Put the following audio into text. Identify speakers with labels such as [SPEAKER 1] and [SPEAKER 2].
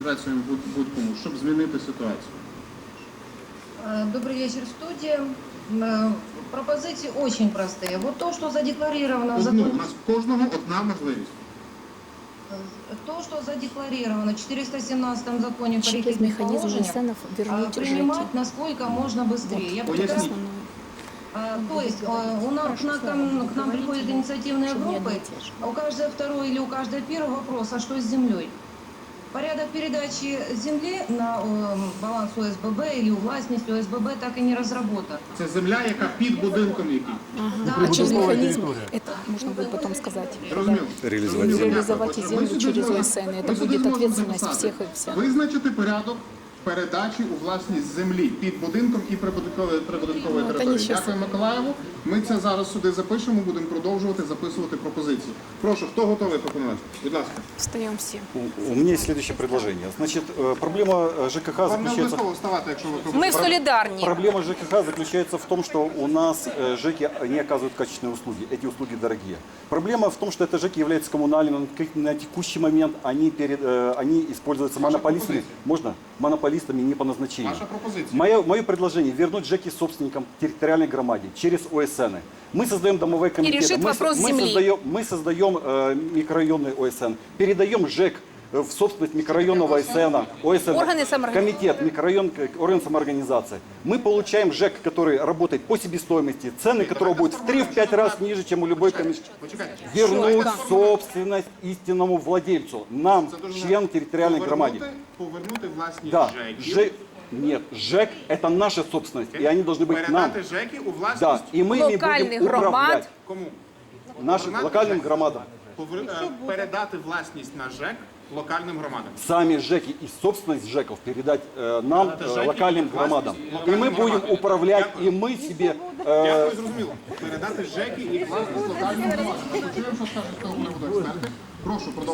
[SPEAKER 1] адміністрацією будь-кому, щоб змінити ситуацію?
[SPEAKER 2] Добрый вечер, студия. Пропозиции очень простые. Вот то, что задекларировано в
[SPEAKER 1] У
[SPEAKER 2] законе,
[SPEAKER 1] нас в кожного одна можливість.
[SPEAKER 2] то, что задекларировано в 417 законе по
[SPEAKER 3] Через
[SPEAKER 2] рекетным
[SPEAKER 3] механизм
[SPEAKER 2] положениям,
[SPEAKER 3] НСНов вернуть жителей.
[SPEAKER 2] принимать насколько можно быстрее. Я
[SPEAKER 1] Поясните.
[SPEAKER 2] прекрасно- То есть у нас к нам приходят инициативные группы, у каждого второй или у каждого первый вопрос, а что с землей? Порядок передачи земли на баланс ОСББ или у властности ОСББ так и не разработан.
[SPEAKER 1] Це земля, яка під будинком який.
[SPEAKER 2] Да,
[SPEAKER 3] А через механизм, это можно будет потом сказать.
[SPEAKER 1] Зрозуміло.
[SPEAKER 3] Реализовать и землю через ОСН, это будет ответственность всех и вся.
[SPEAKER 1] Визначити порядок передачі у власність землі під будинком і прибудинкової території. Дякую, Миколаєву. Ми це зараз сюди запишемо, будемо продовжувати записувати пропозиції. Прошу, хто готовий пропонувати? Будь ласка.
[SPEAKER 3] Встаем все.
[SPEAKER 4] У меня есть следующее предложение. Значит, проблема ЖКХ
[SPEAKER 1] Вам не
[SPEAKER 4] заключается...
[SPEAKER 1] обов'язково вставати, якщо ви пропонуєте.
[SPEAKER 5] Мы солидарны.
[SPEAKER 4] Проблема ЖКХ заключается в том, что у нас ЖЭКи не оказывают качественные услуги. Эти услуги дорогие. Проблема в том, что это ЖЭКи являются коммунальными. На текущий момент они используются монополистами. Можно? Монополистами не по назначению.
[SPEAKER 1] Ваша пропозиція.
[SPEAKER 4] Мое предложение вернуть ЖЭКи собственникам территориальной громаде через ОСН. Мы создаем домовые комитеты.
[SPEAKER 5] решит вопрос земли.
[SPEAKER 4] Мы создаем микрорайонный ОСН. Передаем ЖЭК в собственность микрорайонного ОСН.
[SPEAKER 5] Органы самоорганизации.
[SPEAKER 4] Комитет, микрорайон, орган самоорганизации. Мы получаем ЖЭК, который работает по себестоимости, цены которого будут в 3-5 раз ниже, чем у любой комиссии. Вернуть собственность истинному владельцу, нам, членам территориальной громады.
[SPEAKER 1] Повернути власність
[SPEAKER 4] Да,
[SPEAKER 1] ЖЕКів.
[SPEAKER 4] Нет, ЖЭК это наша собственность, и они должны быть к нам.
[SPEAKER 1] Передати ЖЕКи у власність
[SPEAKER 4] Да, и мы ими
[SPEAKER 5] Локальных
[SPEAKER 4] будем управлять
[SPEAKER 5] громад.
[SPEAKER 1] кому?
[SPEAKER 4] нашим локальным громадам.
[SPEAKER 1] Передати власність на ЖЕК локальним громадам.
[SPEAKER 4] Сами ЖЭКи и собственность ЖЭКов передать нам,
[SPEAKER 1] ЖЭКи
[SPEAKER 4] локальным
[SPEAKER 1] и
[SPEAKER 4] громадам.
[SPEAKER 1] власть
[SPEAKER 4] И мы
[SPEAKER 1] локальным
[SPEAKER 4] будем
[SPEAKER 1] громадам.
[SPEAKER 4] управлять, и мы себе...
[SPEAKER 1] Дякую, зрозуміло. Передати ЖЕКи і власність локальним громадам. Ми почуємо, що скажуть з того приводу експерти. Прошу, продовжуйте.